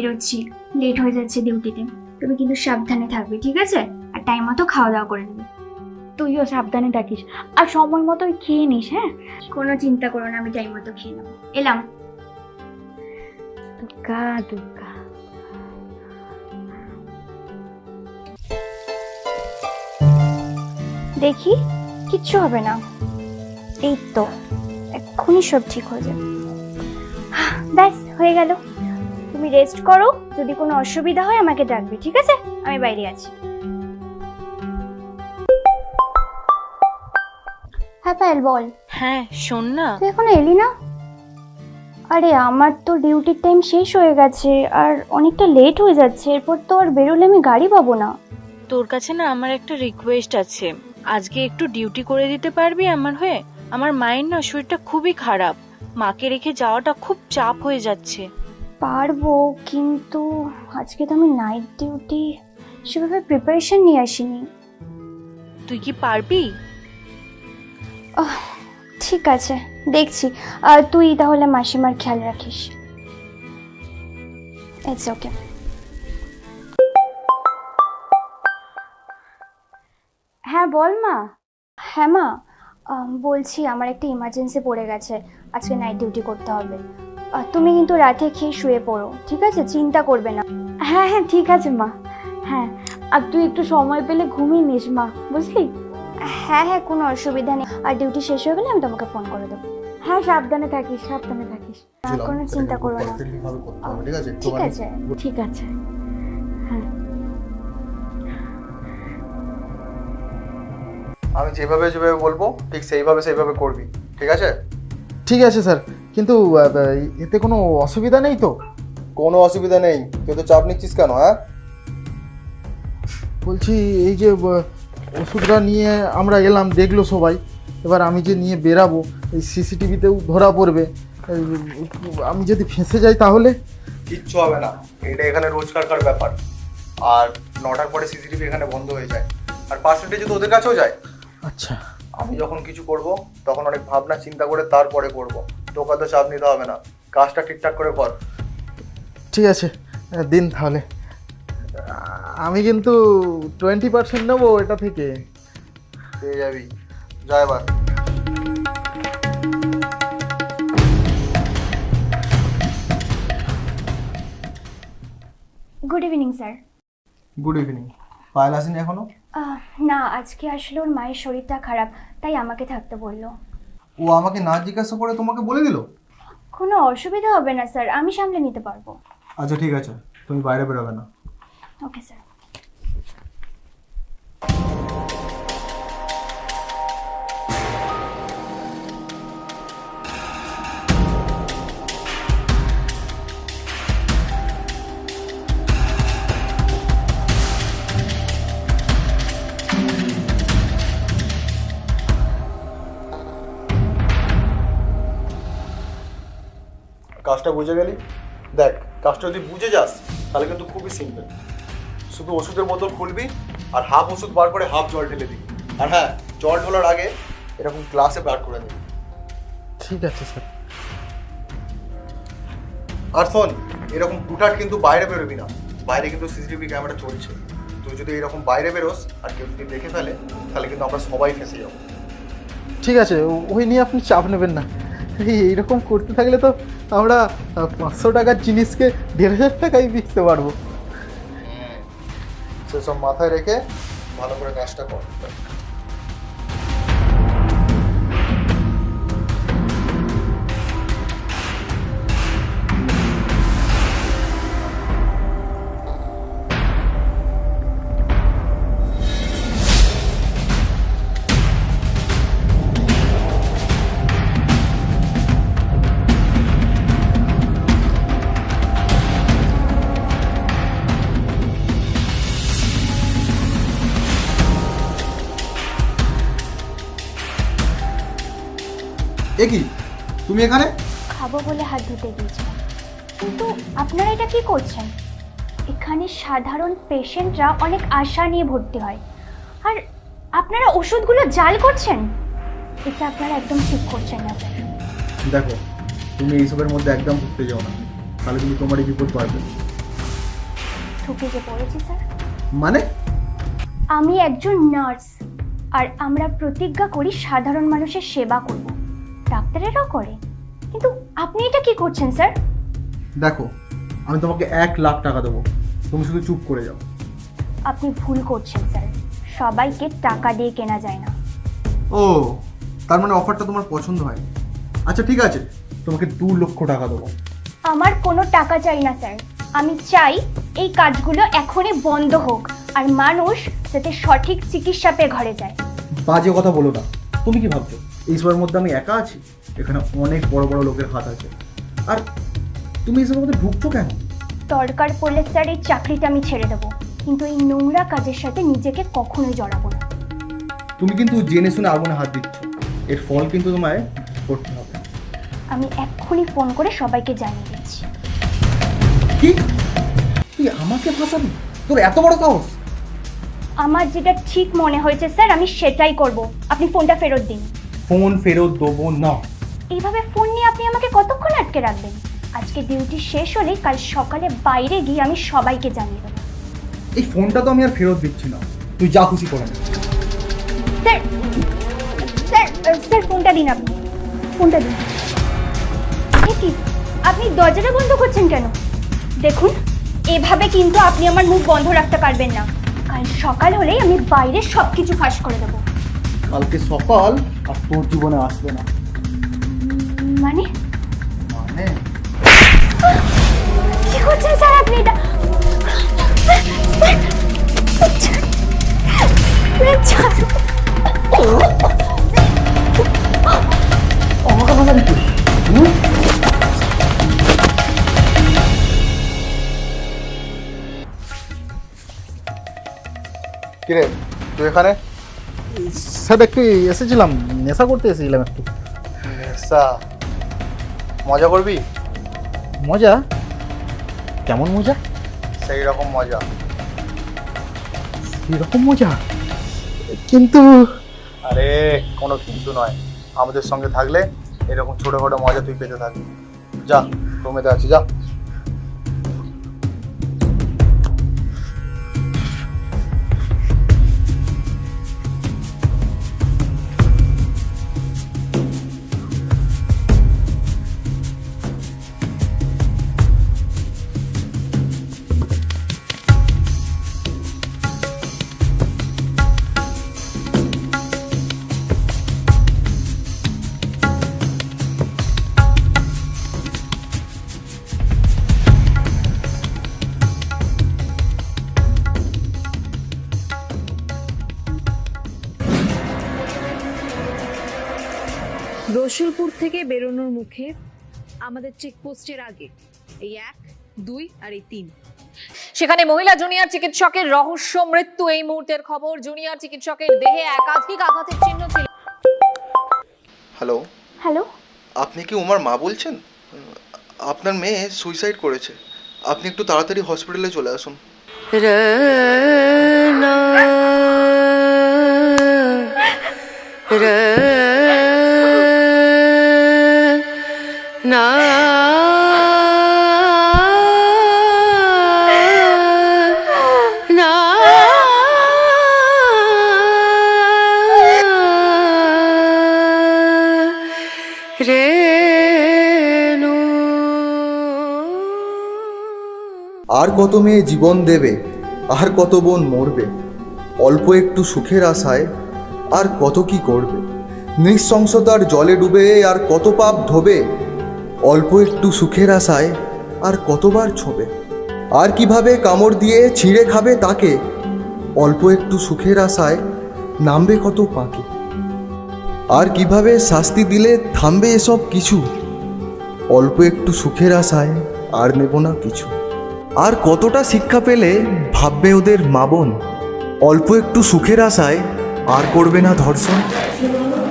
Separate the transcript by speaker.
Speaker 1: বেরোচ্ছি, লেট হয়ে যাচ্ছে ডিউটিতে। তুমি কিন্তু সাবধানে থাকবে, ঠিক আছে? আর টাইম মতো খাওয়া দাওয়া করে নেবে।
Speaker 2: তুইও সাবধানে থাকিস আর সময় মতো খেয়ে নিস। হ্যাঁ,
Speaker 1: কোনো চিন্তা করো না, আমি টাইম মতো খেয়ে নেবো। এলাম।
Speaker 2: দুর্গা দুর্গা।
Speaker 1: দেখি, কিচ্ছু হবে না। এই তো, এক্ষুনি সব ঠিক হয়ে যাবে। ব্যাস হয়ে গেল। তুমি রেস্ট করো, যদি কোনো অসুবিধা হয় আমাকে ডাকবে, ঠিক আছে? আমি বাইরে আছি। হ্যাঁ পায়েল, বল।
Speaker 3: হ্যাঁ শোন না,
Speaker 1: তুই এখনো এলি না? আরে আমার তো ডিউটির টাইম শেষ হয়ে গেছে আর অনেকটা লেট হয়ে যাচ্ছে। এরপর তো আর বেরোলে আমি গাড়ি পাবো না।
Speaker 3: তোর কাছে না আমার একটা রিকোয়েস্ট আছে। আজকে একটু ডিউটি করে দিতে পারবি আমার হয়ে? আমার মায়ের না শরীরটা খুবই খারাপ, মাকে রেখে যাওয়াটা খুব চাপ হয়ে যাচ্ছে।
Speaker 1: পারবো, কিন্তু আজকে তো আমি নাইট ডিউটি, সেভাবে প্রিপারেশন নিয়ে আসিনি।
Speaker 3: তুই কি পারবি?
Speaker 1: ঠিক আছে, দেখছি। তুই তাহলে মাসিমার খেয়াল রাখিস। It's okay.
Speaker 2: হ্যাঁ বল মা।
Speaker 1: হ্যাঁ মা, বলছি আমার একটা ইমার্জেন্সি পড়ে গেছে, আজকে নাইট ডিউটি করতে হবে। তুমি কিন্তু রাতে খেয়ে শুয়ে পড়ো, ঠিক আছে? চিন্তা করবে না।
Speaker 2: হ্যাঁ হ্যাঁ ঠিক আছে মা। হ্যাঁ, আর তুই একটু সময় পেলে ঘুমিয়ে নিস মা, বুঝলি?
Speaker 1: হ্যাঁ হ্যাঁ, কোনো অসুবিধা নেই। আর ডিউটি শেষ হয়ে গেলে আমি তোমাকে ফোন করে দেবো।
Speaker 2: হ্যাঁ সাবধানে থাকিস, সাবধানে থাকিস।
Speaker 1: কোনো চিন্তা করো না।
Speaker 4: ঠিক আছে,
Speaker 1: ঠিক আছে।
Speaker 2: ঠিক আছে। হ্যাঁ,
Speaker 4: আমি যেভাবে যেভাবে বলবো ঠিক সেইভাবে করবি, ঠিক আছে?
Speaker 5: ঠিক আছে স্যার, কিন্তু এতে কোনো অসুবিধা নেই তো?
Speaker 4: কোনো অসুবিধা নেই। তুই তো চাপ নিচ্ছিস কেন? হ্যাঁ,
Speaker 5: বলছি এই যে ওষুধটা নিয়ে আমরা এলাম, দেখলো সবাই, এবার আমি যে নিয়ে বেরাবো এই সিসিটিভিতেও ধরা পড়বে। আমি যদি ফেঁসে যাই তাহলে?
Speaker 4: কিচ্ছু হবে না, এটা এখানে রোজকারকার ব্যাপার। আর 9টার পরে সিসিটিভি এখানে বন্ধ হয়ে যায়, আর পার্সেন্টেজ তো ওদের কাছেও যায়।
Speaker 5: আচ্ছা,
Speaker 4: আমি যখন কিছু করব তখন অনেক ভাবনা চিন্তা করে তারপরে করব। তোকে তো চাপ নিতে হবে না, কাজটা ঠিকঠাক করে কর।
Speaker 5: ঠিক আছে, দিন তাহলে। আমি কিন্তু 20% নেবো এটা থেকে।
Speaker 4: পেয়ে যাবি, যা এবার।
Speaker 1: Good evening sir.
Speaker 4: Good evening. Payel আসেনি এখনো?
Speaker 1: না, আজকে আসলে ওর মায়ের শরীরটা খারাপ, তাই আমাকে থাকতে বললো।
Speaker 4: ও আমাকে না জিজ্ঞাসা করে তোমাকে বলে দিল?
Speaker 1: কোনো অসুবিধা হবে না স্যার, আমি সামলে নিতে পারবো।
Speaker 4: আচ্ছা ঠিক আছে, তুমি বাইরে বেরোবে না।
Speaker 1: Okay sir.
Speaker 4: কাজটা বুঝে গেলি? দেখ, কাজটা যদি বুঝে যাস তাহলে কিন্তু খুবই সিম্পল। শুধু ওষুধের বোতল খুলবি আর হাফ ওষুধ বার করে হাফ জল ঢেলে দিবি। আর হ্যাঁ, জল ঢোলার আগে এরকম গ্লাসে বার করে দিবি।
Speaker 5: ঠিক আছে স্যার।
Speaker 4: আর শোন, এরকম হুটহাট কিন্তু বাইরে বেরোবি না, বাইরে কিন্তু সিসিটিভি ক্যামেরা চলছে। তুই যদি এরকম বাইরে বেরোস আর কেউ যদি দেখে ফেলে তাহলে কিন্তু আমরা সবাই ফেঁসে যাবো।
Speaker 5: ঠিক আছে, ওই নিয়ে আপনি চাপ নেবেন না। এইরকম করতে থাকলে তো আমরা 500 টাকার জিনিসকে 1,500 টাকায় বিকতে পারবো।
Speaker 4: সেসব মাথায় রেখে ভালো করে কাজটা কর। এ কি, তুমি এখানে?
Speaker 1: খাবো বলে হাত ধুতে গিয়েছিলাম, কিন্তু আপনারা এটা কি করছেন? এখানে সাধারণ পেশেন্টরা অনেক আশা নিয়ে ভর্তি হয়, আর আপনারা ওষুধগুলো জাল করছেন। এটা আপনারা একদম ঠিক করছেন না স্যার।
Speaker 4: দেখো, তুমি এইসবের মধ্যে একদম ঢুকতে যাও না, তাহলে কিন্তু তোমারই বিপদ বাড়বে।
Speaker 1: ঠকে যে পড়েছি স্যার।
Speaker 5: মানে?
Speaker 1: আমি একজন নার্স, আর আমরা প্রতিজ্ঞা করি সাধারণ মানুষের সেবা করব, ডাক্তারেরাও করে। কিন্তু আপনি এটা কি করছেন স্যার?
Speaker 5: দেখো, আমি তোমাকে 1,00,000 টাকা দেবো, তুমি শুধু চুপ করে যাও।
Speaker 1: আপনি ভুল করছেন স্যার, সবাইকে টাকা দিয়ে কেনা যায় না।
Speaker 5: ও, তার মানে অফারটা তোমার পছন্দ হয়? আচ্ছা ঠিক আছে, তোমাকে 2,00,000 টাকা দেবো।
Speaker 1: আমার কোনো টাকা চাই না স্যার, আমি চাই এই কাজগুলো এখনই বন্ধ হোক আর মানুষ যাতে সঠিক চিকিৎসা পেয়ে ঘরে যায়।
Speaker 5: বাজে কথা বলো না। তুমি কি ভাবছো এইসবের মধ্যে আমি একা আছি? এখানে অনেক বড় বড় লোকের হাত আছে। আর তুমি এইসবের মধ্যে ঢুকছো কেন?
Speaker 1: দরকার পড়লে স্যার এই চাকরিটা আমি ছেড়ে দেবো, কিন্তু এই নোংরা কাজের সাথে নিজেকে কখনোই জড়াবো না।
Speaker 5: তুমি কিন্তু জেনে শুনে আগুনে হাত দিচ্ছ, এর ফল কিন্তু তোমায় করতে হবে।
Speaker 1: আমি এক্ষুনি ফোন করে সবাইকে জানিয়ে দিচ্ছি।
Speaker 5: কি? তুই আমাকে ফাঁসাবি? তোর এত বড় সাহস?
Speaker 1: আমার যেটা ঠিক মনে হয়েছে স্যার আমি সেটাই করব। আপনি ফোনটা ফেরত দিন।
Speaker 5: ফোন ফেরত দেবো না।
Speaker 1: এইভাবে ফোন নিয়ে আপনি আমাকে কতক্ষণ আটকে রাখবেন? আজকে ডিউটি শেষ হলে কাল সকালে বাইরে গিয়ে আমি সবাইকে জানিয়ে দেবো।
Speaker 5: এই ফোনটা তো আমি আর ফেরত দিচ্ছি না, তুই যা খুশি করে নে।
Speaker 1: স্যার স্যার স্যার ফোনটা দিন, আপনি ফোনটা দিন। এ কি, আপনি দরজাটা বন্ধ করছেন কেন? দেখুন, এভাবে কিন্তু আপনি আমার মুখ বন্ধ রাখতে পারবেন না। কাল সকাল হলেই আমি বাইরে সব কিছু ফাঁস করে দেবো।
Speaker 5: কালকে সকাল আর তোর জীবনে আসবে না।
Speaker 1: মানে
Speaker 5: মানে
Speaker 1: কি করছেন স্যার আপনি এটা?
Speaker 5: আমাকে ফাঁসাবি তুই? কিরে তুই এখানে? স্যার একটু এসেছিলাম, নেশা করতে এসেছিলাম একটু। নেশা? মজা করবি? মজা? কেমন মজা? সেই রকম মজা। সেই রকম মজা? কিন্তু আরে কোনো কিন্তু নয়, আমাদের সঙ্গে থাকলে এরকম ছোটখাটো মজা তুই পেতে থাকবি। যা, রুমেতে আছি, যা।
Speaker 6: রসুলপুর থেকে বেরোনোর মুখে আমাদের চেকপোস্টের আগে এই 1, 2 আর এই 3, সেখানে মহিলা জুনিয়র চিকিৎসকের রহস্য মৃত্যু। এই মুহূর্তের খবর, জুনিয়র চিকিৎসকের দেহে একাধিক আঘাতের চিহ্ন ছিল।
Speaker 4: হ্যালো
Speaker 1: হ্যালো,
Speaker 4: আপনি কি উমার মা বলছেন? আপনার মেয়ে সুইসাইড করেছে, আপনি একটু তাড়াতাড়ি হসপিটালে চলে আসুন। আর কত মেয়ে জীবন দেবে, আর কত বোন মরবে, অল্প একটু সুখের আশায় আর কত কি করবে, নৃশংসতার জলে ডুবে আর কত পাপ ধোবে, অল্প একটু সুখের আশায় আর কতবার ছোবে, আর কিভাবে কামড় দিয়ে ছিঁড়ে খাবে তাকে, অল্প একটু সুখের আশায় নামবে কত পাকে, আর কিভাবে শাস্তি দিলে থামবে এসব কিছু, অল্প একটু সুখের আশায় আর নেব না কিছু, আর কতটা শিক্ষা পেলে ভাববে ওদের মা বোন, অল্প একটু সুখের আশায় আর করবে না ধর্ষণ।